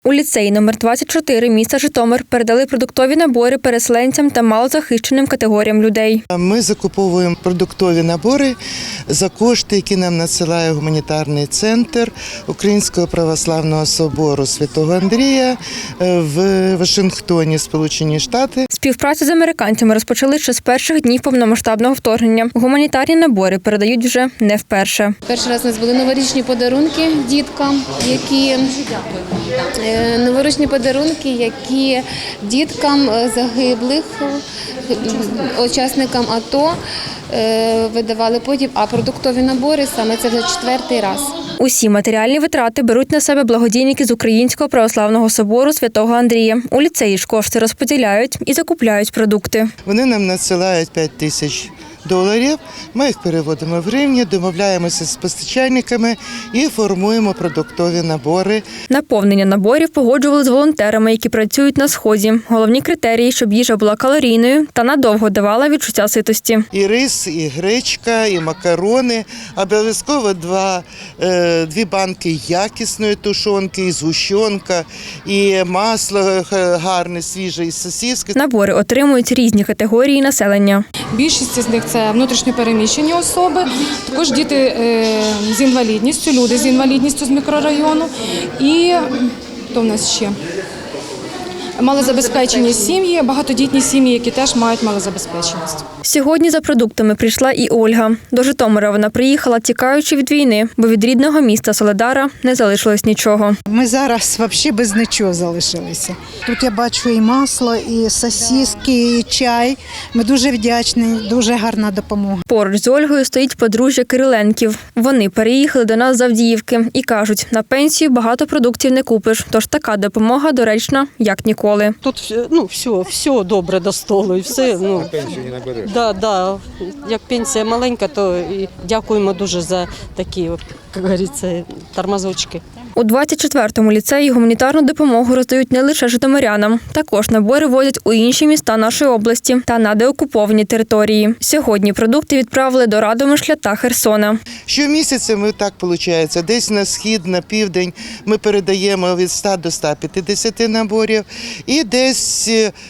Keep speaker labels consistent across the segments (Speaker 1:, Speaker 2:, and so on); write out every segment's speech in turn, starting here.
Speaker 1: У ліцеї номер 24 міста Житомир передали продуктові набори переселенцям та малозахищеним категоріям людей.
Speaker 2: Ми закуповуємо продуктові набори за кошти, які нам надсилає гуманітарний центр Українського православного собору Святого Андрія в Вашингтоні, Сполучені Штати.
Speaker 1: Співпрацю з американцями розпочали ще з перших днів повномасштабного вторгнення. Гуманітарні набори передають вже не вперше.
Speaker 3: Перший раз у нас були новорічні подарунки діткам, які діткам загиблих, учасникам АТО видавали потім, а продуктові набори саме це вже 4-й раз.
Speaker 1: Усі матеріальні витрати беруть на себе благодійники з Українського православного собору Святого Андрія. У ліцеї ж кошти розподіляють і закупляють продукти.
Speaker 2: Вони нам надсилають $5000. Ми їх переводимо в гривні, домовляємося з постачальниками і формуємо продуктові набори.
Speaker 1: Наповнення наборів погоджували з волонтерами, які працюють на Сході. Головні критерії, щоб їжа була калорійною та надовго давала відчуття ситості.
Speaker 2: І рис, і гречка, і макарони. Обов'язково дві банки якісної тушонки, і згущенка, і масло гарне, свіже, і сосиски.
Speaker 1: Набори отримують різні категорії населення.
Speaker 4: Більшість з них – це внутрішньо переміщені особи, також діти з інвалідністю, люди з інвалідністю з мікрорайону і хто в нас ще? Малозабезпечені сім'ї, багатодітні сім'ї, які теж мають малозабезпеченість.
Speaker 1: Сьогодні за продуктами прийшла і Ольга. До Житомира вона приїхала, тікаючи від війни, бо від рідного міста Солидара не залишилось нічого.
Speaker 5: Ми зараз взагалі без нічого залишилися. Тут я бачу і масло, і сосиски, і чай. Ми дуже вдячні, дуже гарна допомога.
Speaker 1: Поруч з Ольгою стоїть подружжя Кириленків. Вони переїхали до нас з Авдіївки і кажуть, на пенсію багато продуктів не купиш, тож така допомога доречна, як ніколи.
Speaker 6: Тут все добре до столу і все.
Speaker 7: Пенсію не береш?
Speaker 6: Да. Як пенсія маленька, то і дякуємо дуже за такі, як говориться, тормозочки.
Speaker 1: У 24-му ліцеї гуманітарну допомогу роздають не лише житомирянам. Також набори возять у інші міста нашої області та на деокуповані території. Сьогодні продукти відправили до Радомишля та Херсона.
Speaker 2: Щомісяця ми так виходить, десь на схід, на південь ми передаємо від 100 до 150 наборів і десь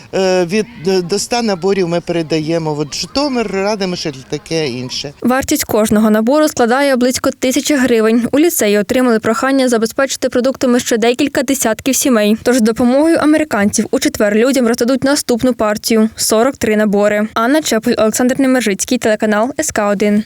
Speaker 2: до 100 наборів ми передаємо в Житомир, Радомишль, таке інше.
Speaker 1: Вартість кожного набору складає близько 1000 гривень. У ліцеї отримали прохання забезпечити продуктами ще декілька десятків сімей. Тож з допомогою американців у четвер людям роздадуть наступну партію – 43 набори. Анна Чепель, Олександр Немержицький, телеканал СК1.